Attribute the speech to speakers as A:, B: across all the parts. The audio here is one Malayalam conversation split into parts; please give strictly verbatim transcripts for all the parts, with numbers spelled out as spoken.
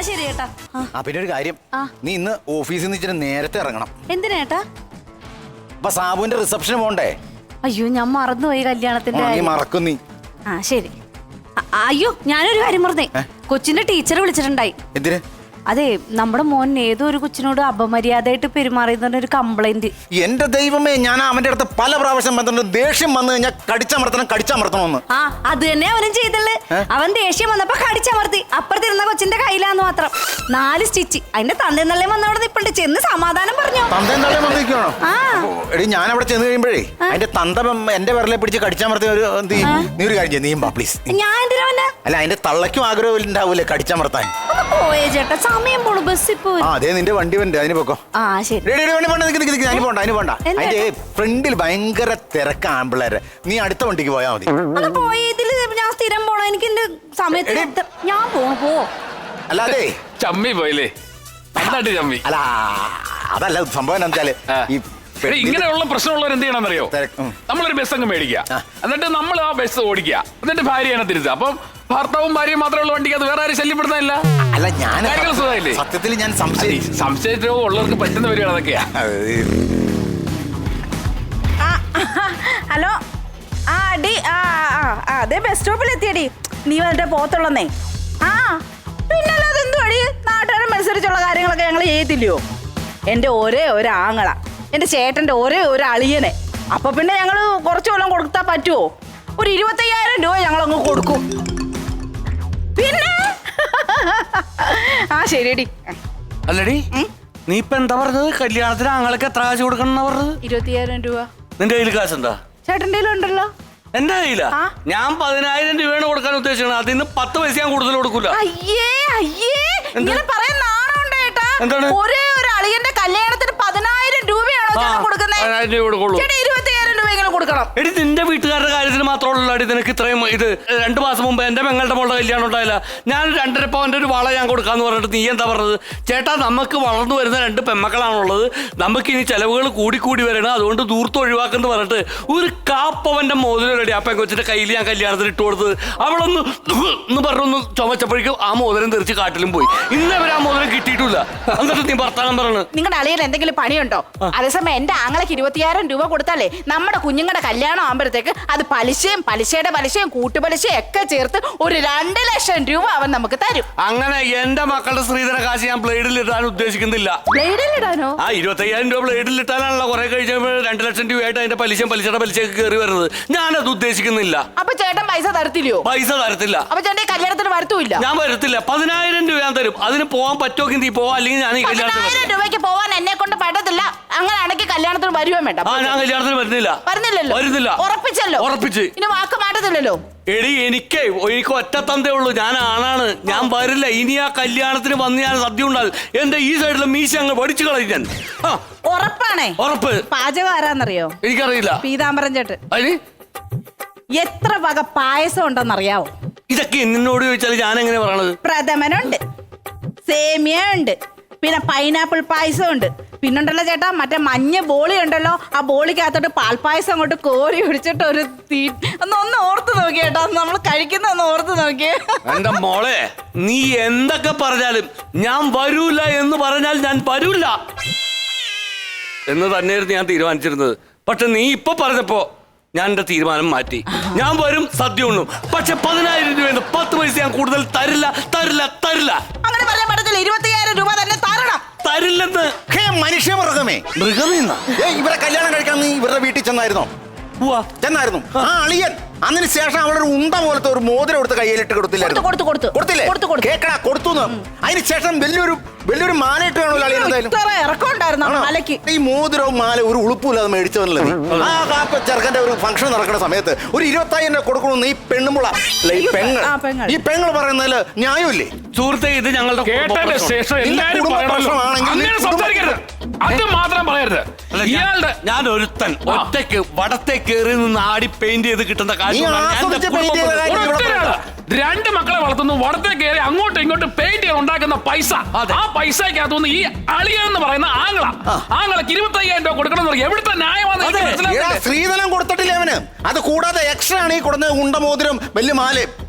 A: ശരി ചേട്ടാ.
B: ആ പിന്നെ ഒരു കാര്യം, നീ ഇന്ന് ഓഫീസിൽ നിന്ന് ഇച്ചിരി നേരത്തെ ഇറങ്ങണം.
A: എന്തിനാ ചേട്ടാ?
B: അപ്പൊ സാബുവിന്റെ റിസപ്ഷന് പോണ്ടേ?
A: അയ്യോ ഞാൻ മറന്നുപോയി കല്യാണത്തിന്റെ.
B: നീ മറക്കും നീ.
A: ആ ശരി. അയ്യോ ഞാനൊരു കാര്യം പറഞ്ഞേ, കൊച്ചിന്റെ ടീച്ചർ വിളിച്ചിട്ടുണ്ടായി.
B: എന്തിന്?
A: അതെ, നമ്മുടെ മോൻ ഏതോ ഒരു കൊച്ചിനോട് അപമര്യാദയായിട്ട് പെരുമാറിയതിന്റെ ഒരു കംപ്ലൈന്റ്.
B: എന്റെ ദൈവമേ, ഞാൻ അവന്റെ അടുത്ത് പല പ്രാവശ്യം ബന്ധമുണ്ട്. ദേഷ്യം വന്നു കഴിഞ്ഞാൽ കടിച്ചമർത്തണം കടിച്ചമർത്തണമെന്ന്.
A: ആ അത് തന്നെ അവനും ചെയ്തല്ലേ. അവൻ ദേഷ്യം വന്നപ്പോ കടിച്ചമർത്തി. അപ്പുറത്തിരുന്ന കൊച്ചിന്റെ കയ്യിലാന്ന് മാത്രം. നാല് സ്റ്റിച്ച്. അതിന്റെ തന്തേന്നല്ലേ വന്നവിടെ നിപ്പുണ്ട്. ചെന്ന് സമാധാനം പറഞ്ഞു.
B: തന്തേന്നല്ലേ വന്നിരിക്കണോ? എടി ഞാൻ അവിടെ ചെന്ന് കഴിയുമ്പോഴേ അതിന്റെ തന്ത എന്റെ വിരലെ പിടിച്ച് കടിച്ചമർത്തിയ ഒരു നീ ഒരു കാര്യം ചെയ്യ, നീ ബാ പ്ലീസ്. ഞാൻ എന്തിനാ? അല്ല അതിന്റെ തള്ളയ്ക്കും ആഗ്രഹം ഉണ്ടാവൂലേ കടിച്ചമർത്താൻ.
A: പോയേ ചേട്ടാ, സമയം പോണു. ബസ്സിൽ പോയി.
B: ആ അതെ, നിന്റെ വണ്ടി വണ്ടി അതിന് പോക്കോ.
A: ആ ശരി.
B: അതിന് പോണ്ട അതിന് പോണ്ട. അതിന്റെ ഫ്രണ്ടിൽ ഭയങ്കര തിരക്ക് ആമ്പിള്ളേര്. നീ അടുത്ത വണ്ടിക്ക് പോയാ മതി.
A: പോയതില് ഞാൻ സ്ഥിരം പോണോ? എനിക്ക് എന്റെ സമയത്ത് ഞാൻ പോണു. പോ.
B: അല്ലാതെ
C: ചമ്മി പോയില്ലേ? ചമ്മി
B: അല്ല അതല്ല സംഭവം എന്താ വെച്ചാല്, ഈ
C: ഇങ്ങനെയുള്ള പ്രശ്നമുള്ളവർ എന്ത് ചെയ്യണമെന്നറിയോ? നമ്മളൊരു ബസ് അങ്ങ് മേടിക്കുക, എന്നിട്ട് നമ്മൾ ആ ബസ് ഓടിക്കുക, എന്നിട്ട് ഭാര്യയാണ് തിരിച്ചുക. അപ്പം ഭർത്താവും ഭാര്യയും മാത്രമുള്ള വണ്ടിക്ക് അത് വേറെ ആരും ശല്യപ്പെടുന്നില്ല.
B: അല്ല ഞാൻ സത്യത്തിൽ ഞാൻ
C: സംശയിച്ചോ ഉള്ളവർക്ക് പറ്റുന്ന വരികയാണ് അതൊക്കെയാ.
D: ഹലോ. ആ അടി. ആ അതെ ബസ് സ്റ്റോപ്പിൽ എത്തിയടി. നീ വന്നിട്ട് പോത്തുള്ളന്നേ. ആ പിന്നല്ലാതെ എന്തു അടി, നാട്ടുകാരെ മത്സരിച്ചുള്ള കാര്യങ്ങളൊക്കെ ഞങ്ങൾ ചെയ്യത്തില്ലയോ? എൻ്റെ ഒരേ ഒരു ആങ്ങള, എൻ്റെ ചേട്ടൻ്റെ ഒരേ ഒരു അളിയനെ. അപ്പൊ പിന്നെ ഞങ്ങൾ കുറച്ചു കൊല്ലം കൊടുത്താൽ പറ്റുമോ? ഒരു ഇരുപത്തയ്യായിരം രൂപ ഞങ്ങളങ്ങ് കൊടുക്കും. പിന്നെ ആ ശരിയടി.
E: അല്ലടി, നീ ഇപ്പൊ എന്താ പറഞ്ഞത്? കല്യാണത്തിന് ആങ്ങളൊക്കെ എത്ര കാശ് കൊടുക്കണം പറഞ്ഞത്?
D: ഇരുപത്തിയായിരം രൂപ.
E: നിന്റെ കയ്യിൽ കാശുണ്ടോ?
D: ചേട്ടൻ്റെ ഉണ്ടല്ലോ.
E: എന്റെ കയ്യിലാ? ഞാൻ പതിനായിരം രൂപയാണ് കൊടുക്കാൻ ഉദ്ദേശിക്കുന്നത്. അതിന് പത്ത് പൈസ ഞാൻ കൂടുതൽ കൊടുക്കൂല.
D: അയ്യേ അയ്യേ, ഇങ്ങനെ പറയാൻ നാണമുണ്ട് ചേട്ടാ.
E: എന്താണ്?
D: ഒരേ ഒരു അളിയന്റെ കല്യാണത്തിന് പതിനായിരം രൂപയാണോ ചേട്ടൻ കൊടുക്കുന്നത്? ഇരുപത്തിയായിരം രൂപ എങ്ങനെ കൊടുക്കണം?
E: എടി നിന്റെ വീട്ടുകാരുടെ കാര്യത്തിന് മാത്രമുള്ള അടി നിനക്ക് ഇത്രയും ഇത്. രണ്ടു മാസം മുമ്പ് എന്റെ പെങ്ങളുടെ മോളുടെ കല്യാണം ഉണ്ടായില്ല. ഞാൻ രണ്ടര പവന്റെ ഒരു വള ഞാൻ കൊടുക്കാന്ന് പറഞ്ഞിട്ട് നീ എന്താ പറഞ്ഞത്? ചേട്ടാ നമുക്ക് വളർന്നു വരുന്ന രണ്ട് പെമ്മക്കളാണുള്ളത്, നമുക്ക് ഇനി ചെലവുകൾ കൂടിക്കൂടി വരണം, അതുകൊണ്ട് ദൂർത്ത് ഒഴിവാക്കെന്ന് പറഞ്ഞിട്ട് ഒരു കാപ്പവന്റെ മോതിരം റെഡി ആ പെങ്കൊച്ചിന്റെ കയ്യിൽ ഞാൻ കല്യാണത്തിന് ഇട്ട് കൊടുത്തത്. അവളൊന്ന് എന്ന് പറഞ്ഞൊന്ന് ചുമച്ചപ്പോഴേക്കും ആ മോതിരം തെറിച്ച് കാട്ടിലും പോയി. ഇന്നവരെ ആ മോതിരം കിട്ടിയിട്ടില്ല. എന്നിട്ട് നീ ഭർത്താനം പറഞ്ഞു.
D: നിങ്ങളുടെ അളിയൻ എന്തെങ്കിലും പണിയുണ്ടോ? അതേസമയം എന്റെ ആങ്ങളക്ക് ഇരുപത്തിയായിരം രൂപ കൊടുത്താലേ നമ്മുടെ കുഞ്ഞുങ്ങളുടെ കല്യാണം ആകുമ്പോഴത്തേക്ക് അത് പലിശയും പലിശയുടെ പലിശയും കൂട്ടുപലിശയും ഒക്കെ ചേർത്ത് ഒരു രണ്ട് ലക്ഷം രൂപ അവൻ നമുക്ക് തരും.
E: അങ്ങനെ എന്റെ മക്കളുടെ സ്ത്രീധന കാശ് ഞാൻ ബ്ലേഡിൽ ഇടാൻ ഉദ്ദേശിക്കുന്നില്ല.
D: ബ്ലേഡിൽ ഇടാനോ?
E: ആ ഇരുപത്തയ്യായിരം രൂപ ബ്ലേഡിൽ ഇട്ടാലാണല്ലോ കുറെ കഴിച്ചപ്പോൾ രണ്ട് ലക്ഷം രൂപയായിട്ട് അതിന്റെ പലിശയും പലിശയുടെ പലിശയൊക്കെ കയറി വരുന്നത്. ഞാനത് ഉദ്ദേശിക്കുന്നില്ല.
D: അപ്പൊ ചേട്ടൻ പൈസ തരത്തില്ലയോ?
E: പൈസ തരത്തില്ല.
D: അപ്പൊ ചേട്ടൻ കല്യാണത്തിന് വരത്തുമില്ല?
E: ഞാൻ വരത്തില്ല. പതിനായിരം രൂപ ഞാൻ തരും. അതിന് പോവാൻ പറ്റുമെങ്കിൽ നീ പോവാ, അല്ലെങ്കിൽ ഞാൻ ഈ കല്യാണത്തിന്
D: രൂപയ്ക്ക് പോവാൻ എന്നെ കൊണ്ട് പറ്റത്തില്ല. അങ്ങനെയാണെങ്കിൽ കല്യാണത്തിന് വരുവാൻ വേണ്ട.
E: ആ ഞാൻ കല്യാണത്തിന് വരുന്നില്ല.
D: വരുന്നില്ലല്ലോ?
E: വരുന്നില്ല.
D: ഉറപ്പിച്ചല്ലോ?
E: ഉറപ്പിച്ച്.
D: ഇനി വാക്ക് മാറ്റത്തില്ലല്ലോ?
E: എടി എനിക്ക് എനിക്ക് ഒറ്റ തന്തേ ഉള്ളൂ. ഞാൻ ആണാണ്, ഞാൻ വരില്ല. ഇനി ആ കല്യാണത്തിന് വന്ന് ഞാൻ സദ്യ ഉണ്ടാകും. എന്റെ ഈ സൈഡിലെ മീശ അങ്ങ് പഠിച്ചു കളയും ഞാൻ.
D: ഉറപ്പാണേ?
E: ഉറപ്പ്.
D: പാചകം ആരാന്നറിയോ?
E: എനിക്കറിയില്ല.
D: പീതാംബരൻ ചേട്ടൻ.
E: അതിന്
D: എത്ര വക പായസം ഉണ്ടെന്നറിയാവോ?
E: ഇതൊക്കെ എന്നോട് ചോദിച്ചാൽ ഞാൻ എങ്ങനെ പറയണത്?
D: പ്രഥമനുണ്ട്, സേമിയ ഉണ്ട്, പിന്നെ പൈനാപ്പിൾ പായസം ഉണ്ട്, പിന്നുണ്ടല്ലോ ചേട്ടാ മറ്റേ മഞ്ഞ ബോളി ഉണ്ടല്ലോ, ആ ബോളിക്കകത്തോട്ട് പാൽപ്പായസം അങ്ങോട്ട് കോരി ഒഴിച്ചിട്ട് ഒരു തീ ഒന്ന് ഒന്ന് ഓർത്ത് നോക്കി കേട്ടോ, നമ്മൾ കഴിക്കുന്ന ഒന്ന് ഓർത്ത് നോക്കിയേ.
E: എന്റെ മോളെ, നീ എന്തൊക്കെ പറഞ്ഞാലും ഞാൻ വരൂല എന്ന് പറഞ്ഞാൽ ഞാൻ വരൂല എന്ന് തന്നെയായിരുന്നു ഞാൻ തീരുമാനിച്ചിരുന്നത്. പക്ഷെ നീ ഇപ്പൊ പറഞ്ഞപ്പോ ഞാൻ എന്റെ തീരുമാനം മാറ്റി. ഞാൻ വരും, സദ്യ ഉണ്ണും. പക്ഷെ പതിനായിരം രൂപ പത്ത് പൈസ ഞാൻ കൂടുതൽ തരില്ല തരില്ല തരില്ല.
D: അങ്ങനെ പറയാൻ പറ്റത്തില്ല. ഇരുപത്തിയായിരം രൂപ തന്നെ തരണം.
E: തരില്ലെന്ന്.
B: മനുഷ്യ മൃഗമേ.
E: മൃഗമേന്നാ?
B: ഇവരെ കല്യാണം കഴിക്കാൻ നീ ഇവരുടെ വീട്ടിൽ ചെന്നായിരുന്നോ? ചെന്നായിരുന്നു. ആ അളിയൻ അതിന് ശേഷം അവളൊരു ഉണ്ട പോലത്തെ ഒരു മോതിരം എടുത്ത് കയ്യിലിട്ട് കൊടുത്തില്ലായിരുന്നു? കൊടുത്തില്ലേ? കേക്കടാ, കൊടുത്തു. അതിന് ശേഷം വലിയൊരു വലിയൊരു മാലയിട്ട് കാണൂല അളിയൻ. എന്തായാലും ഈ മോതിരവും മാല ഒരു ഉളുപ്പില്ല അത് മേടിച്ചവനല്ലേ. ആ കാപ്പ ചെറുക്കന്റെ ഒരു ഫംഗ്ഷൻ നടക്കുന്ന സമയത്ത് ഒരു ഇരുപത്തായിരം രൂപ കൊടുക്കണമെന്ന് ഈ പെണ്ണുമുള്ള ഈ പെങ്ങൾ ഈ പെങ്ങൾ പറയുന്നതില് ന്യായമില്ലേ?
E: സുഹൃത്തെ, ഇത് ഞങ്ങളുടെ
C: കേട്ടതിന് ശേഷം എല്ലാവരും അത് മാത്രം പറയരുത്. ഇയാളുടെ
E: ഞാൻ ഒരുത്തൻ ഒറ്റയ്ക്ക് വടത്തെ കയറി നിന്ന് ആടി പെയിന്റ് ചെയ്ത് കിട്ടുന്ന കാശ്
C: രണ്ട് മക്കളെ വളർത്തുന്നു, വടത്തെ കയറി അങ്ങോട്ടും ഇങ്ങോട്ടും പെയിന്റ് ചെയ്ത് ഉണ്ടാക്കുന്ന പൈസ, ആ പൈസക്കകത്തുനിന്ന് ഈ അളിയൻ എന്ന് പറയുന്ന ആങ്ങള ആങ്ങളക്ക് ഇരുപത്തി അയ്യായിരം രൂപ കൊടുക്കണം. എവിടുത്തെ ന്യായമാണ്?
B: സ്ത്രീധനം കൊടുത്തിട്ടില്ല അവന്. അത് കൂടാതെ എക്സ്ട്രാ ആണ് ഈ കൊടുക്കുന്നത്. ഉണ്ട മോതിരം വലിയ മാല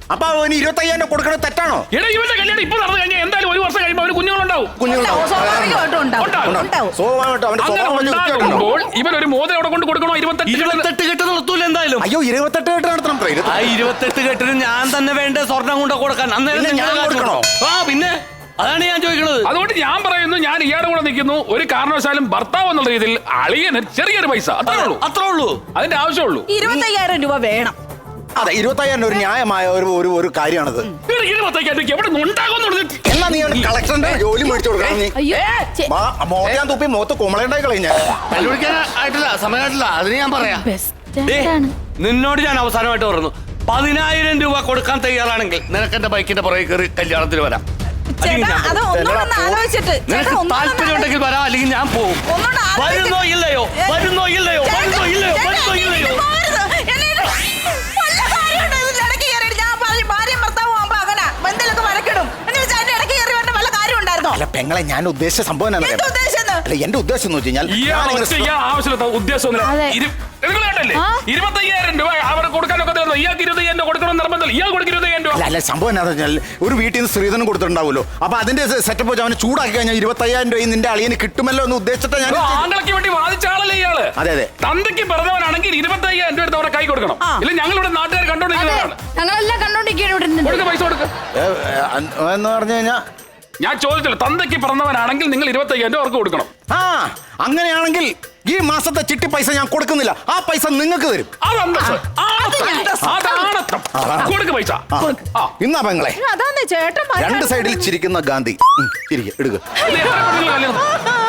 B: അപ്പൊ അവന് ഇരുപത്തി അയ്യായിരം കൊടുക്കണത് തെറ്റാണോ?
C: എടാ ഇവന്റെ കല്യാണം ഇപ്പൊ നടന്നു കഴിഞ്ഞാൽ എന്തായാലും ഒരു വർഷം കഴിയുമ്പോൾ അവന് കുഞ്ഞുങ്ങളുണ്ടാവും.
D: ഉണ്ടാവും, സ്വാഭാവികമായിട്ടും ഉണ്ടാവും.
C: ഉണ്ടാവും.
D: ഉണ്ടാവും.
B: സ്വാഭാവികമായിട്ടും അവന്റെ
C: അങ്ങനെ
B: സ്വഭാവം വലിയ വൃത്തികേടുണ്ടാവും.
C: ഉണ്ടാകുമ്പോൾ ഇവൻ ഒരു മോതിരം അവിടെ കൊണ്ട് കൊടുക്കണോ? ഇരുപത്തെട്ട്
E: ഇരുപത്തെട്ട് കെട്ട് നിർത്തൂല എന്തായാലും.
B: അയ്യോ ഇരുപത്തെട്ട് കെട്ട് നടത്തണം ട്ടോ, ഇരുപത്തി-
E: ആ ഇരുപത്തെട്ട് കെട്ടിന് ഞാൻ തന്നെ വേണ്ട സ്വർണം കൊണ്ട് കൊടുക്കാൻ. അന്നേരം
B: പിന്നെ ഞാൻ
E: നിങ്ങൾ
B: കൊടുക്കണോ?
E: ആ പിന്നെ അതാണ് ഞാൻ ചോദിക്കുന്നത്.
C: അതുകൊണ്ട് ഞാൻ പറയുന്നു, ഞാൻ ഇയാളുടെ കൂടെ നിൽക്കുന്നു. ഒരു കാരണവശാലും ഭർത്താവ് എന്നുള്ള രീതിയിൽ അളിയന് ചെറിയൊരു പൈസ അത്രേ ഉള്ളൂ,
E: അത്രേ ഉള്ളൂ.
C: അതിന്റെ ആവശ്യമുള്ളൂ.
D: ഇരുപത്തയ്യായിരം രൂപ വേണം.
B: അതെ ഇരുപത്തി അയ്യായിരം ഒരു ന്യായമായ ഒരു ഒരു ഒരു കാര്യമാണത്.
C: ഇരുപത്തയ്യായിരം എവിടെ നിന്നുണ്ടാകുന്നു?
B: എന്നാ നീ അവന് കളക്ഷന്റെ ജോലി മേടിച്ചു കൊടുക്കണം. നീ
D: അയ്യോ ചെ-
B: മോത്താൻ തുപ്പി മുഖത്ത് കുമളയുണ്ടായി കളഞ്ഞ
E: കണ്ടുപിടിക്കാനായിട്ടില്ല, സമയമായിട്ടില്ല. അതിന് ഞാൻ പറയാം.
D: ബെസ്റ്റ്
E: ദേ,
D: ആണ്.
E: നിന്നോട് ഞാൻ അവസാനമായിട്ട് പറഞ്ഞു, പതിനായിരം രൂപ കൊടുക്കാൻ തയ്യാറാണെങ്കിൽ നിനക്ക് എന്റെ ബൈക്കിന്റെ പുറകെ കയറി കല്യാണത്തിന് വരാം. അല്ലെങ്കിൽ
D: ചേട്ടാ
E: ഞാൻ
D: അത്
E: പോകും.
D: ഒന്നുകൂടെ ഒന്ന് ആലോചിച്ചിട്ട് ചേട്ടാ
E: നിനക്ക്
D: ഒന്നുകൂടെ ഒന്ന്
E: താല്പര്യം ഉണ്ടെങ്കിൽ വരാം, അല്ലെങ്കിൽ ഞാൻ പോകും.
D: ഒന്നുകൂടെ ആലോചിച്ചിട്ട്
E: വരുന്നോ ഇല്ലയോ?
D: ഏ,
E: വരുന്നോ ഇല്ലയോ?
D: ചേട്ടാ,
E: വരുന്നോ ഇല്ലയോ?
D: ചേട്ടാ,
E: വരുന്നോ ഇല്ലയോ?
D: ഇത് പോരുത്. എന്നെ ഇത് വല്ല കാര്യമുണ്ടോ ഇതിന്റെ ഇടയ്ക്ക് കയറിയിട്ട്? ഞാൻ ഭാര്യ- ഭാര്യയും ഭർത്താവും ആവുമ്പോ അങ്ങനെ ബന്ധലൊക്കെ വരക്കിടും. എന്ന് വെച്ചാൽ അതിന്റെ ഇടയ്ക്ക് കയറി വരേണ്ട വല്ല കാര്യം ഉണ്ടായിരുന്നോ?
B: അല്ല പെങ്ങളെ ഞാൻ ഉദ്ദേശിച്ച സംഭവം എന്നാ
D: എന്ത് ഉദ്ദേശിച്ചത്?
B: അല്ല എന്റെ ഉദ്ദേശം എന്ന് വെച്ച് കഴിഞ്ഞാൽ ഞാനിങ്ങനെ
C: ഇയാൾ ആവശ്യമില്ലാത്ത ഉദ്ദേശമൊന്നുമില്ല.
D: അതെ.
C: ഇരു- നിങ്ങൾ കണ്ടല്ലേ? ഇരുപത്തയ്യായിരം രൂപ അവിടെ കൊടുക്കാനൊക്കെ തീർന്നു. ഇയാൾക്ക് ഇരുപത്തയ്യായിരം രൂപ കൊടുക്കണം നിർബന്ധം. ഇയാൾ കൊടുക്കും ഇരുപത്തയ്യായിരം രൂപ.
B: അല്ല അല്ല സംഭവം എന്താണെന്ന് വെച്ചാൽ ഒരു വീട്ടിൽ നിന്ന് സ്ത്രീധനം കൊടുത്തിട്ടുണ്ടാവുമല്ലോ. അപ്പൊ അതിന്റെ സെറ്റപ്പ് വെച്ച് അവനെ ചൂടാക്കി കഴിഞ്ഞാൽ ഇരുപത്തി അയ്യായിരം രൂപ നിന്റെ അളിയന് കിട്ടുമല്ലോ എന്ന് ഉദ്ദേശിച്ചിട്ട് ഞാൻ
C: ഒരു ആംഗളയ്ക്ക് വേണ്ടി വാദിച്ച ആളല്ലേ ഇയാള്?
B: അതെ അതെ
C: തന്തയ്ക്ക് പറഞ്ഞവനാണെങ്കിൽ ഇരുപത്തയ്യായിരം രൂപ എടുത്ത് അവരെ കൈ കൊടുക്കണം.
D: ആ.
C: ഇല്ല ഞങ്ങളിവിടെ നാട്ടുകാർ കണ്ടോണ്ടിരിക്കുന്നതാണ്.
A: ഞങ്ങളെല്ലാം കണ്ടോണ്ടിരിക്കുകയാണ് ഇവിടെ ഇരുന്നിട്ട്.
C: കൊടുക്ക, പൈസ കൊടുക്ക.
B: ഏ, ഏ, അൻ- എന്ന് പറഞ്ഞു കഴിഞ്ഞാൽ
C: ഞാൻ ചോദിച്ചല്ലോ, തന്തയ്ക്ക് പറഞ്ഞവനാണെങ്കിൽ നിങ്ങൾ ഇരുപത്തയ്യായിരം രൂപ അവർക്ക് കൊടുക്കണം.
B: ആ അങ്ങനെയാണെങ്കിൽ ഈ മാസത്തെ ചിട്ടി പൈസ ഞാൻ കൊടുക്കുന്നില്ല. ആ പൈസ നിങ്ങൾക്ക് തരും.
C: അത് അന്തസ്സ്. ആ, അതാണത്തം. കൊടുക്ക് പൈസ.
B: ആ.
C: ആ.
B: ഇന്നാ പെങ്ങളെ
D: അതാന്ന് ചേട്ടൻ പറഞ്ഞത്.
B: രണ്ട് സൈഡിൽ ചിരിക്കുന്ന ഗാന്ധി ഉം, ചിരിക്ക് എടുക്കുക.
C: ഇത് എത്ര പെണ്ണുങ്ങൾ കല്യാണം?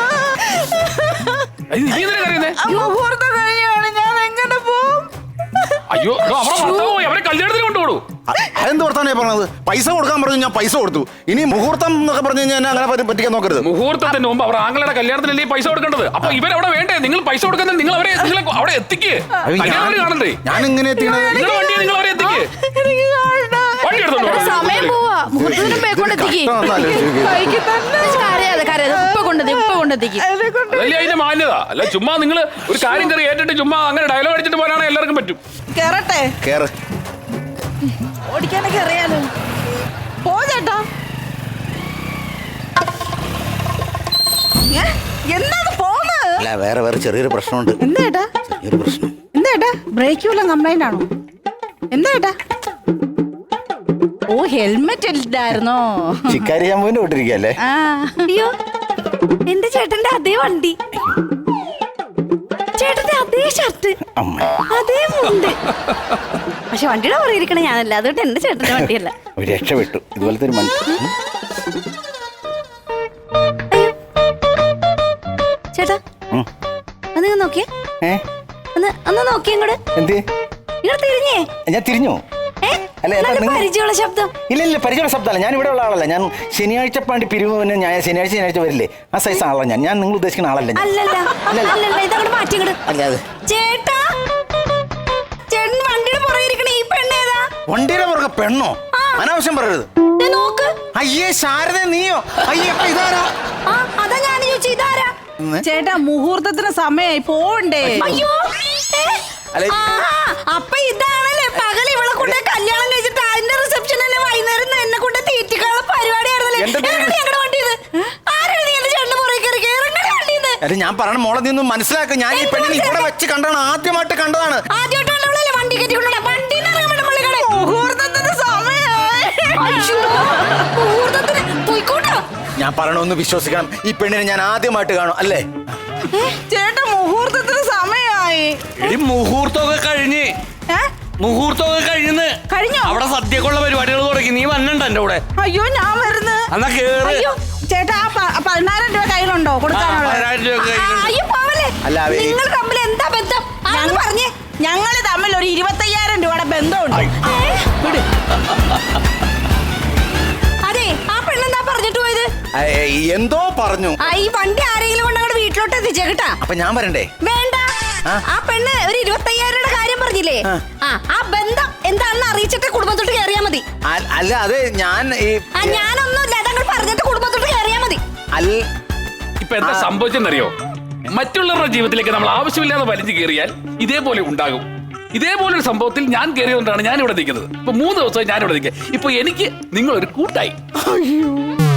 C: ഇത് നീ എന്തിനാ കരയുന്നേ?
D: മുഹൂർത്തം കഴിയാണ്, ഞാൻ എങ്ങനെ പോവും?
C: അയ്യോ എടോ, അവരെ ഭർത്താവ് പോയി, അവരെ കല്യാണത്തിന് കൊണ്ടുപോകൂ.
B: അതെന്ത് വർത്താനേ പറഞ്ഞത്? പൈസ കൊടുക്കാൻ പറഞ്ഞു, ഞാൻ പൈസ കൊടുത്തു. ഇനി മുഹൂർത്തം എന്നൊക്കെ പറഞ്ഞു കഴിഞ്ഞാൽ എന്നെ അങ്ങനെ പറ്റി- പറ്റിക്കാൻ നോക്കരുത്.
C: മുഹൂർത്തത്തിന് മുമ്പ് അവർ ആങ്ങളുടെ കല്യാണത്തിനല്ലേ പൈസ കൊടുക്കേണ്ടത്. അപ്പൊ ഇവരവിടെ വേണ്ടേ? നിങ്ങൾ പൈസ കൊടുക്കുന്നത് നിങ്ങൾ അവരെ നിങ്ങൾ അവിടെ എത്തിക്ക്. കല്യാണം കാണണ്ടേ?
B: ഞാൻ ഇങ്ങനെ എത്തിക്കണത്
C: നിങ്ങളുടെ വണ്ടി നിങ്ങൾ അവരെ എത്തിക്ക്.
D: എനിക്ക് കാണണ്ട.
C: വണ്ടി എടുത്തോണ്ട് വാ.
A: സമയം പോവാ. മുഹൂർത്തത്തിന് മുമ്പേ കൊണ്ടെത്തിക്ക്.
D: ബൈക്കിൽ തന്നെ.
A: കരയാതെ കരയാതെ ഇപ്പൊ കൊണ്ടെത്തി ഇപ്പൊ കൊണ്ടെത്തിക്ക്.
D: അതിനെ കൊണ്ട്
C: അതല്ലേ അതിന്റെ മാന്യത. അല്ല ചുമ്മാ നിങ്ങൾ ഒരു കാര്യം കയറി ഏറ്റിട്ട് ചുമ്മാ അങ്ങനെ ഡയലോഗ് അടിച്ചിട്ട് പോകാനാണെങ്കിൽ എല്ലാവർക്കും പറ്റും.
D: കേറട്ടെ,
B: കേറ്.
D: ഓടിക്കാനൊക്കെ അറിയാലോ. പോ ചേട്ടാ. ഏ? എന്താണ് പോന്ന്?
B: അല്ല വേറെ വേറെ ചെറിയൊരു പ്രശ്നമുണ്ട്.
D: എന്താ ഏട്ടാ?
B: ചെറിയൊരു പ്രശ്നം.
D: എന്താ ഏട്ടാ? ബ്രേക്ക് വല്ലതും കംപ്ലൈന്റ് ആണോ? എന്താ ഏട്ടാ? ഓ ഹെൽമെറ്റ് ഇല്ലായിരുന്നോ?
B: ചിക്കാരി ശാമ്പൂവിന്റെ വിട്ടിരിക്കല്ലേ?
D: ആ
A: അയ്യോ എന്റെ ചേട്ടന്റെ അതേ വണ്ടി, ചേട്ടന്റെ അതേ ഷർട്ട്,
B: അമ്മ
A: അതേ മുണ്ട്. പക്ഷെ വണ്ടിയുടെ പറയിരിക്കണ ഞാനല്ല, അതുകൊണ്ട് എന്റെ ചേട്ടന്റെ വണ്ടിയല്ല.
B: ഒരു രക്ഷപ്പെട്ടു. ഇതുപോലത്തെ ഒരു മനുഷ്യൻ.
A: ചേട്ടാ
B: ഉം.
A: ഒന്ന് നോക്കിയേ,
B: ഏ?
A: ഒന്ന് ഒന്ന് നോക്കിയേ ഇങ്ങോട്ട്.
B: എന്ത്?
A: ഇങ്ങോട്ട് തിരിഞ്ഞേ.
B: ഞാൻ തിരിഞ്ഞു.
A: ഏ?
B: അല്ല, എന്താ
A: നല്ല
B: നിങ്ങൾ-
A: പരിചയമുള്ള ശബ്ദം.
B: ഇല്ല ഇല്ല പരിചയമുള്ള ശബ്ദമല്ല. ഞാൻ ഇവിടെ ഉള്ള ആളല്ല. ഞാൻ ശനിയാഴ്ച പാണ്ടി പിരിവിന് ഞാൻ ശനിയാഴ്ച ശനിയാഴ്ച വരില്ലേ ആ സൈസ് ആളാണ് ഞാൻ. ഞാൻ നിങ്ങൾ ഉദ്ദേശിക്കുന്ന ആളല്ല ഞാൻ.
A: അല്ലല്ല അല്ലല്ല ഇതങ്ങോട്ട് മാറ്റി ഇങ്ങോട്ട്.
B: അല്ല അത്
A: ചേട്ടാ ചേട്ടൻ വണ്ടിയുടെ പുറകിരിക്കണ ഈ പെണ്ണേതാ?
B: വണ്ടിയുടെ പുറകെ പെണ്ണോ?
A: ആ.
B: അനാവശ്യം പറയരുത്.
A: ദേ നോക്ക്.
B: അയ്യേ ശാരദ നീയോ? അയ്യേ അപ്പൊ ഇതാരാ?
A: ആ അതാ ഞാൻ ചോദിച്ചു ഇതാരാ?
B: ഇന്ന്?
D: ചേട്ടാ മുഹൂർത്തത്തിന് സമയമായി പോണ്ടേ?
A: അയ്യോ ഏ?
B: അല്ല,
A: ആ, അപ്പൊ ഇതാണല്ലേ പകൽ ഇവളെ കൊണ്ട് കല്യാണം കഴിച്ചിട്ട് അതിന്റെ റിസപ്ഷൻ തന്നെ വൈകുന്നേരം എന്നെ കൊണ്ട് തീറ്റിക്കാനുള്ള പരിപാടിയായിരുന്നല്ലേ?
B: എന്റെ ദൈവം.
A: ഇറങ്ങടി ഞങ്ങളുടെ വണ്ടിയിൽ നിന്ന്. ആരാണ് നീ എന്റെ ചേട്ടന്റെ പുറകെ കയറി ഇറങ്ങടി വണ്ടിയിൽ നിന്ന്?
B: അല്ല ഞാൻ പറഞ്ഞ മോളെ നീ ഒന്ന് മനസ്സിലാക്കുക. ഞാൻ ഈ
A: എന്ത്
B: പെണ്ണിനെ ഇവിടെ
A: മനസ്സിലാക്കാൻ?
B: വെച്ച് കണ്ടതാണ്. ആദ്യമായിട്ട് കണ്ടതാണ്.
A: ആദ്യമായിട്ട് കണ്ടവളല്ലേ വണ്ടി കയറ്റി കൊണ്ടുവരാ? വണ്ടിയിൽ നിന്ന് ഇറങ്ങാൻ വേണ്ട പള്ളിക്കട.
D: മുഹൂർത്തത്തിന് സമയമായി.
A: അയ്യോ, മുഹൂർത്തത്തിന് പോയിക്കോട്ടോ.
B: ഞാൻ പറയണമെന്ന് വിശ്വസിക്കണം. ഈ പെണ്ണിനെ ഞാൻ ആദ്യമായിട്ട് കാണും അല്ലേ?
D: ചേട്ടാ മുഹൂർത്തത്തിന് സമയമായി.
E: എടി മുഹൂർത്തമൊക്കെ കഴിഞ്ഞ്
D: ഏ?
E: മുഹൂർത്തമൊക്കെ കഴിഞ്ഞ്
D: കഴിഞ്ഞോ?
E: അവിടെ സദ്യക്കുള്ള പരിപാടികൾ തുടങ്ങി. നീ വന്നണ്ട എന്റെ കൂടെ.
D: അയ്യോ ഞാൻ വരുന്നു.
E: എന്നാ കേറ്.
D: അയ്യോ ചേട്ടാ ആ പ- പതിനായിരം രൂപ കയ്യിലുണ്ടോ
E: ആ,
D: കൊടുക്കാനുള്ള?
E: പതിനായിരം രൂപ
A: ആ, അയ്യോ പോവല്ലേ.
B: അല്ല, അവര്-
A: നിങ്ങൾ തമ്മിൽ എന്താ ബന്ധം? ആന്ന് പറഞ്ഞേ.
D: ഞങ്ങള് തമ്മിൽ ഒരു ഇരുപത്തയ്യായിരം രൂപയുടെ ബന്ധമുണ്ട്.
A: ഏ? അതെ ആ പെണ്ണെന്താ പറഞ്ഞിട്ട് പോയത്?
B: ഏ, എന്തോ പറഞ്ഞു.
A: ആ ഈ വണ്ടി ആരെങ്കിലും കൊണ്ട് അങ്ങോട്ട് വീട്ടിലോട്ട് എത്തിച്ചേ കേട്ടാ.
B: അപ്പൊ ഞാൻ വരണ്ടേ?
A: വേണ്ട.
B: ആ?
A: ആ പെണ്ണ് ഒരു ഇരുപത്തയ്യായിരം കാര്യം പറഞ്ഞില്ലേ?
B: ആ.
A: ആ ആ ബന്ധം എന്താണെന്ന് അറിയിച്ചിട്ട് കുടുംബത്തോട്ട് കയറിയാ മതി.
B: അ- അല്ല അത് ഞാൻ ഈ
A: ആ ഞാനൊന്നുമില്ല, അതങ്ങൾ പറഞ്ഞിട്ട് കുടുംബത്തോട്ട് കയറിയാ മതി.
B: അല്ല
C: ഇപ്പൊ എന്താ സംഭവിച്ചെന്നറിയോ? മറ്റുള്ളവരുടെ ജീവിതത്തിലേക്ക് നമ്മൾ ആവശ്യമില്ലാതെ വലിച്ചു കയറിയാൽ ഇതേപോലെ ഉണ്ടാകും. ഇതേപോലൊരു സംഭവത്തിൽ ഞാൻ കയറിയതുകൊണ്ടാണ് ഞാൻ ഇവിടെ നിൽക്കുന്നത്. ഇപ്പൊ മൂന്ന് ദിവസമായി ഞാൻ ഇവിടെ നിൽക്കുക. ഇപ്പൊ എനിക്ക് നിങ്ങളൊരു കൂട്ടായി.